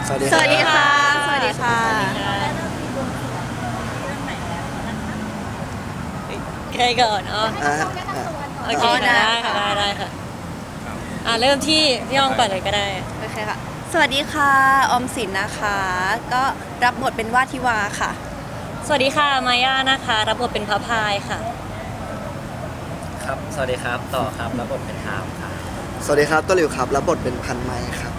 สวัสดีสวัสดีค่ะ สวัสดีค่ะใครก่อนอ๋ออ่าโอเคได้ค่ะได้ค่ะเริ่มที่พี่ยองก่อนเลยก็ได้โอเคค่ะ สวัสดีค่ะ ออมสินนะคะ ก็รับบทเป็นว่าทิวาค่ะสวัสดีค่ะมาย่านะคะรับบทเป็นพระพายค่ะครับ สวัสดีครับ ต่อครับ รับบทเป็นทามครับสวัสดีครับตัวหลิวครับรับบทเป็นพันไม้ครับ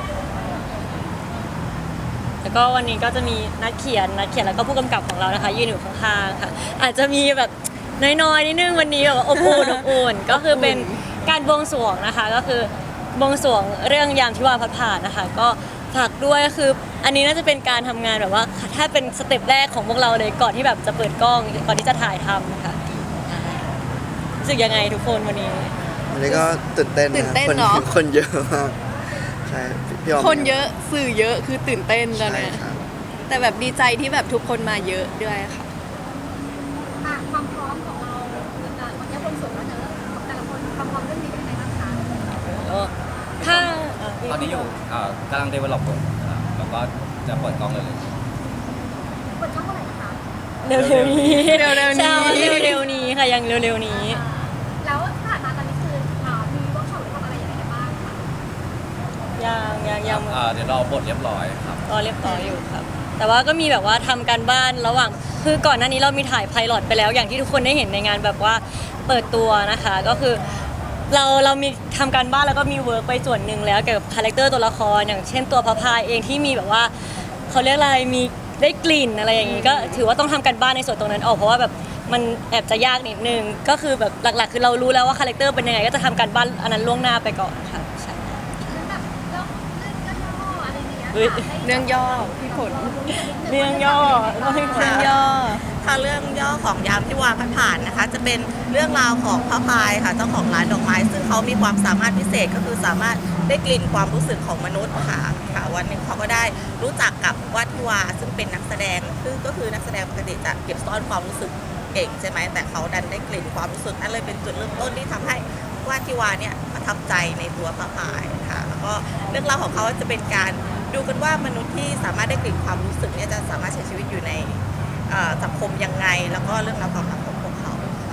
แล้วก็วันนี้ก็จะมีนักเขียนแล้วก็ผู้กำกับของเรานะคะยืนอยู่ข้างๆค่ะ อาจจะมีแบบน้อยๆนิดนึงวันนี้แบบว่าอบอุ่นก็คือเป็นการบวงสรวงนะคะ ก็คือบวงสรวงเรื่องยามที่วาพัดผ่านนะคะ ก็ฝากด้วยคืออันนี้น่าจะเป็นการทำงานแบบว่าถ้าเป็นสเต็ปแรกของพวกเราเลยก่อนที่แบบจะเปิดกล้องก่อนที่จะถ่ายทำค่ะรู้สึกยังไงทุกคนวันนี้วันนี้ก็ตื่นเต้นตื่นเต้นคนเนอะคนเยอะมากใช่พี่ออมคนเยอะสื่อเยอะคือตื่นเต้นตอนใช่เนี้ยครับแต่แบบดีใจที่แบบทุกคนมาเยอะด้วยค่ะความพร้อมของเราวันนี้บนส่วนแล้วเนอะของแต่ละคนความพร้อมเรื่องนี้เป็นยังไงบ้างคะถ้าตอนนี้อยู่กำลัง develop บทแล้วก็จะเปิดกล้องเลยเปิดช่องเมื่อไหร่นะคะเร็วๆนี้เร็วๆนี้ใช่เร็วๆนี้ค่ะยังเร็วๆนี้แล้วที่ผ่านมาตอนนี้คือมีเวิร์กช็อปหรือทำอะไรอย่างไรกันบ้างคะยังเดี๋ยวรอบทเรียบร้อยครับก็เรียบร้อยอยู่ครับ แต่ว่าก็มีแบบว่าทำการบ้านระหว่างคือก่อนหน้านี้เรามีถ่ายไพลอตไปแล้วอย่างที่ทุกคนได้เห็นในงานแบบว่าเปิดตัวนะคะ ก็คือเรามีทำการบ้านแล้วก็มีเวิร์กไปส่วนหนึ่งแล้วเกี่ยวกับคาแรคเตอร์ตัวละครอย่างเช่นตัวพระพายเองที่มีแบบว่าเขาเรียกอะไรมีได้กลิ่นอะไรอย่างนี้ก็ถือว่าต้องทำการบ้านในส่วนตรงนั้นออกเพราะว่าแบบมันแอบจะยากนิดนึงก็คือแบบหลักๆ คือเรารู้แล้วว่าคาแรคเตอร์เป็นยังไงก็จะทำการบ้านอันนั้นล่วงหน้าไปก่อนค่ะใช่แล้วแบบเรื่องย่ออะไรอย่างเงี้ยเฮ้ยเรื่องย่อพี่ผลเรื่องย่อต้องให้เรื่องย่อถ้าเรื่องย่อของยามที่วาพัดผ่านนะคะ จะเป็นเรื่องราวของพระพายค่ะเจ้าของร้านดอกไม้ ซึ่งเขามีความสามารถพิเศษก็คือสามารถได้กลิ่นความรู้สึกของมนุษย์ค่ะวันหนึ่งเขาก็ได้รู้จักกับวัดทิวาซึ่งเป็นนักแสดงซึ่งก็คือนักแสดงปกติจะเก็บซ่อนความรู้สึกเก่งใช่ไหมแต่เขาดันได้กลิ่นความรู้สึกนั่นเลยเป็นจุดเริ่มต้นที่ทำให้วัดทิวาเนี่ยประทับใจในตัวพระพายค่ะแล้วก็เรื่องราวของเขาจะเป็นการดูกันว่ามนุษย์ที่สามารถได้กลิ่นความรู้สึกเนี่ยจะสามารถใช้ชีวิตอยู่ในสังคมยังไงแล้วก็เรื่องราวความรักของพวกเขาค่ะ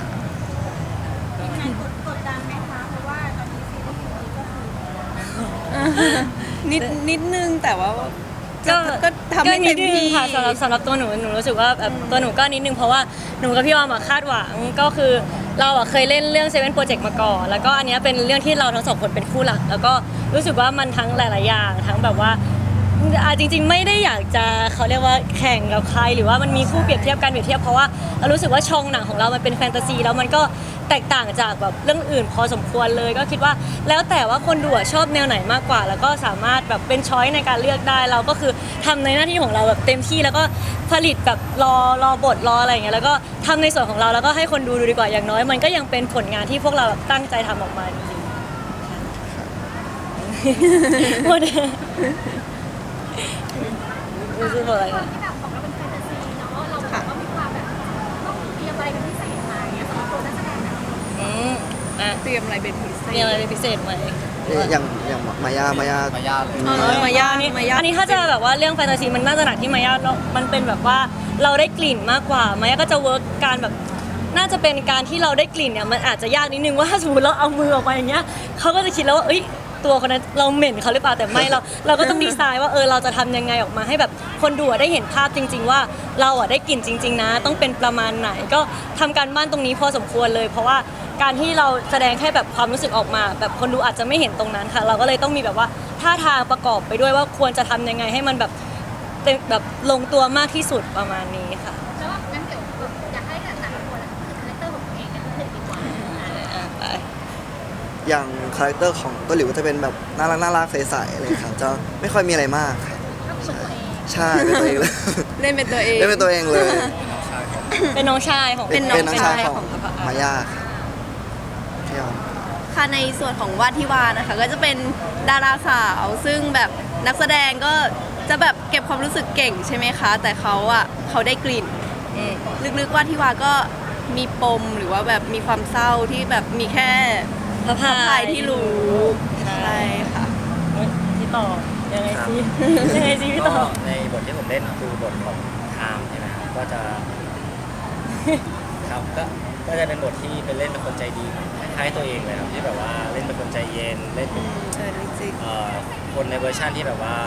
กดดันไหมคะเพราะว่าตอนนี้ซีรีส์นี้ก็คือนิดนึงแต่ว่าก็ก็ทำให้เต็มนิดนึที่งค่ะสำหรับตัวหนูรู้สึกว่าแบบตัวหนูก็นิดนึงเพราะว่าหนูกับพี่ออมคาดหวังก็คือเราเคยเล่นเรื่อง7 Project มาก่อนแล้วก็อันเนี้ยเป็นเรื่องที่เราทั้งสองคนเป็นคู่หลัก แล้วก็รู้สึกว่ามันทั้งหลาย ๆ อย่างทั้งแบบว่าจริง ๆ ไม่ได้อยากจะเขาเรียกว่าแข่งกับใครหรือว่ามันมีคู่เปรียบเทียบกันเปรียบเทียบเพราะว่าเรารู้สึกว่าช่องหนังของเรามันเป็นแฟนตาซีแล้วมันก็แตกต่างจากแบบเรื่องอื่นพอสมควรเลยก็คิดว่าแล้วแต่ว่าคนดูชอบแนวไหนมากกว่า แล้วก็สามารถแบบเป็นช้อยในการเลือกได้เราก็คือทำในหน้าที่ของเราแบบเต็มที่แล้วก็ผลิตแบบรอบทรออะไรอย่างเงี้ยแล้วก็ทำในส่วนของเราแล้วก็ให้คนดูดีกว่าอย่างน้อย มันก็ยังเป็นผลงานที่พวกเราแบบตั้งใจทำออกมาจริงๆหมดรู้สึกอะไรความที่แบบของเราเป็นแฟนตาซีเนาะเราแบบว่ามีความแบบต้องเตรียมอะไรเป็นพิเศษมาอย่างเงี้ยสำหรับตัวนักแสดงแบบเตรียมอะไรเป็นพิเศษมีอะไรเป็นพิเศษไหมอย่างมายามายาเลยมายาอันนี้ถ้าจะแบบว่าเรื่องแฟนตาซีมันน่าจะหนักที่มายามันเป็นแบบว่าเราได้กลิ่นมากกว่ามายาก็จะเวิร์กการแบบน่าจะเป็นการที่เราได้กลิ่นเนี่ยมันอาจจะยากนิดนึงว่าถ้าสมมติเราเอามือออกมาอย่างเงี้ยเขาก็จะคิดแล้วว่าเอ้ยตัวคนนั้นเราเหม็นเขาหรือเปล่าแต่ไม่เราก็ต้องดีไซน์ว่าเราจะทำยังไงออกมาให้แบบคนดูได้เห็นภาพจริง ๆ ว่าเราได้กลิ่นจริง ๆ นะ ต้องเป็นประมาณไหนก็ทำการบ้านตรงนี้พอสมควรเลย เพราะว่าการที่เราแสดงแค่แบบความรู้สึกออกมา แบบคนดูอาจจะไม่เห็นตรงนั้นค่ะ เราก็เลยต้องมีแบบว่าท่าทางประกอบไปด้วยว่าควรจะทำยังไงให้มันแบบเป็นแบบลงตัวมากที่สุดประมาณนี้ค่ะแล้วงั้นเดี๋ยวอยากให้แต่ละคนคือคาแรคเตอร์ของตัวเองกันเลยดีกว่าไปอย่างคาแรคเตอร์ของตัวหลิวก็จะเป็นแบบน่ารักใสๆอะไรครับจะไม่ค่อยมีอะไรมากครับก็คือตัวเองใช่เป็นตัวเองเลยเล่นเป็นตัวเองได้เป็นตัวเองเลยเป็นน้องชายของเป็นน้องน้องชายของพระพายมายาครับพี่ออมค่ะในส่วนของวาดทิวานะคะ ก็จะเป็นดาราสาวซึ่งแบบนักแสดงก็จะแบบเก็บความรู้สึกเก่งใช่ไหมคะ แต่เขาได้กลิ่นลึกๆวาดทิวาก็มีปมหรือว่าแบบมีความเศร้าที่แบบมีแค่พระพระพาพาย ยที่รู้ใช่ใช่ค่ะที่ต่อยังยังไงสิยังไงสิพี่ต่อก็ในบทที่ผมเล่นคือบทของไทม์ใช่ไหมครับก็จะครับก็จะเป็นบทที่เป็นเล่นเป็นคนใจดีคล้ายๆตัวเองเลยครับที่แบบว่าเล่นเป็นคนใจเย็นเล่นเป็นจริงคนในเวอร์ชันที่แบบว่า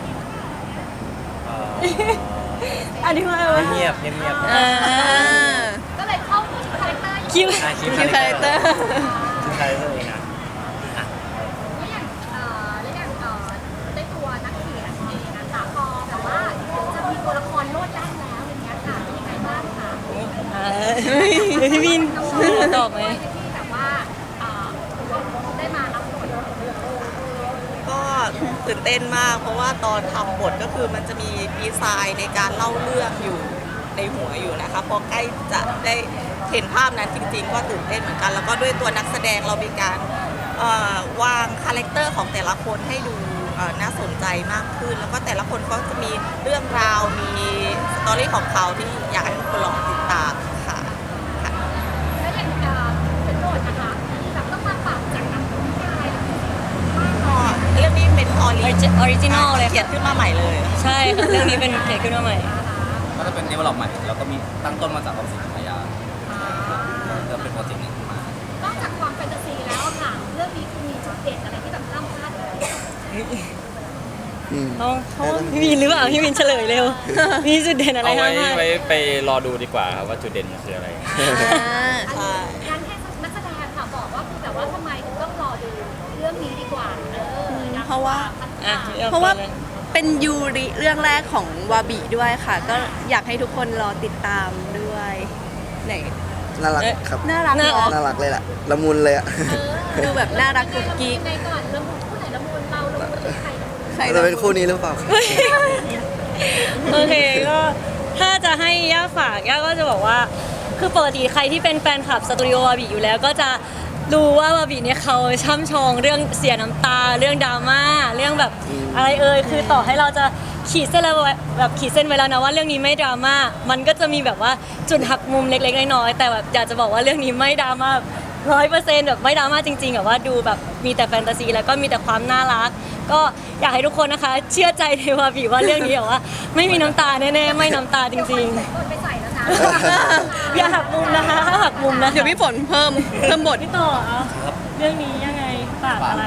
อธิบายว่าเงียบๆเงียบๆอ่าก็เลยเข้าถึงคาแรคเตอร์คิวคิวคิวคาแรคเตอร์คิวคาแรคเตอร์เองนะแล้วอย่างได้ตัวนักเขียนเองนะคะพอแบบว่าจะมีตัวละครโลดแล่นแล้วอย่างเงี้ยค่ะเป็นยังไงบ้างคะพี่วินตอบไหมที่แบบว่าได้มารับบทก็ตื่นเต้นมาก เพราะว่าตอนทำบทก็คือมันจะมีดีไซน์ในการเล่าเรื่องอยู่ในหัวอยู่นะคะพอใกล้จะได้เห็นภาพนั้นจริงๆ ก็ตื่นเต้นเหมือนกัน แล้วก็ด้วยตัวนักแสดงเรามีการวางคาแรคเตอร์ของแต่ละคนให้ดูน่าสนใจมากขึ้น แล้วก็แต่ละคนก็จะมีเรื่องราวมีสตอรี่ของเขาที่อยากให้ทุกคนลองติดตามค่ะแล้วอย่างเป็นโจทย์นะคะแบบต้องมาปรับจากนักวิทยาลัยเรื่องนี้เป็นออริจินอลเลยเขียค่ะนขึ้นมาใหม่เลยใช่ค่ะเรื่องนี้เป็นเขียนขึ้นมาใหม่ก็จะเป็นเดเวลลอปใหม่แล้วก็มีตั้งต้นมาจากออมสินพยาจะเป็นโปรเจกต์หนึ่งขึ้นมานอกจากความแฟนตาซีแล้วค่ะเรื่องนี้คือมีจุดเด่นอะไรที่แบบห้ามพลาดเลยอืมเขาพี่วินหรือเปล่าพี่วินเฉลยเร็ว มีจุดเด่นอะไรเอาบ้างไว้ไปรอดูดีกว่าครับว่าจุดเด่นมันคืออะไรใช่งานแค่นักแสดงค่ะบอกว่าคือแบบว่าทำไมถึงต้องรอดูเรื่องนี้ดีกว่าเพราะว่าอ่ะเพราะว่าเป็นยูริเรื่องแรกของวาบิด้วยค่ะ ก็อยากให้ทุกคนรอติดตามด้วยไหนน่ารักครับน่ารักเนาะน่ารักเลยแหละละมุนเลยอะดูแบบน่ารักกุ๊กกิ๊กในก่อนละมุนผู้ไหนละมุนเราละมุนใครละมุนใครจะเป็นคู่นี้หรือเปล่าครับโอเคก็ถ้าจะให้ย่าฝากย่าก็จะบอกว่า คือปกติใครที่เป็นแฟนคลับสตูดิโอวาบิอยู่แล้วก็จะรู้ว่าวาบิเนี่ยเขาช่ำชองเรื่องเสียน้ำตาเรื่องดราม่าเรื่องแบบอะไรคือต่อให้เราจะขีดเส้นแล้วแบบขีดเส้นไว้แล้วนะว่าเรื่องนี้ไม่ดราม่ามันก็จะมีแบบว่าจุดหักมุมเล็กๆน้อยๆแต่แบบอยากจะบอกว่าเรื่องนี้ไม่ดราม่า100%แบบไม่ดราม่าจริงๆแบบว่าดูแบบมีแต่แฟนตาซีแล้วก็มีแต่ความน่ารัก ก็อยากให้ทุกคนนะคะ เชื่อใจในวาบิว่าเรื่องนี้แบบว่าไม่มีน้ำตาแน่ๆไม่น้ำตาจริงโดนไปใส่แล้วนะๆอย่าหักมุมนะคะถ้าหักมุมนะคะเดี๋ยวพี่ฝนเพิ่มบทพี่ต่อเอาเรื่องนี้ยังไงฝากอะไร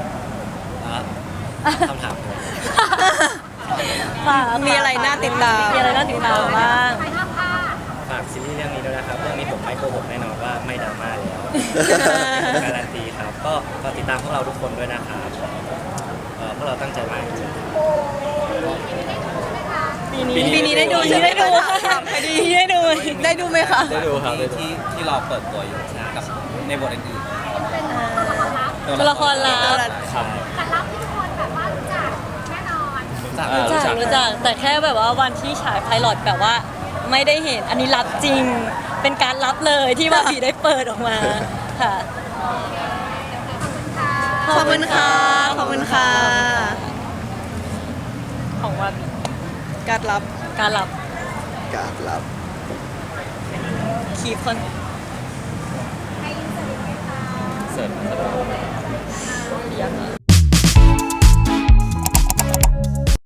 คำถามเลยฝากมีอะไรน่าติดตามมีอะไรน่าติดตามบ้างใครห้ามพลาดฝากซีรีส์เรื่องนี้ด้วยนะครับ เรื่องนี้ผมไม่โกหกแน่นอนว่าไม่ดราม่าแล้วการันตีครับ ก็ติดตามพวกเราทุกคนด้วยนะครับพวกเราตั้งใจมากจริงปีนี้ได้ดูใช่ไหมได้ดูค่ะปีนี้ได้ดูได้ดูไหมคะได้ดูครับได้ดูที่เราเปิดตัวอยู่กับในบทอื่นตัวละครลับครับแต่รับที่ทุกคนแบบว่ารู้จักแน่นอนๆรู้จักรู้จักแต่แค่แบบว่าวันที่ฉายไพลอตแบบว่าไม่ได้เห็นอันนี้รับจริง เป็นการรับเลยที่วาบิได้เปิดออกมาค่ะขอบคุณค่ะ ขอบคุณค่ะของวาบิการรับการรับการรับคีย์คนเสร็จ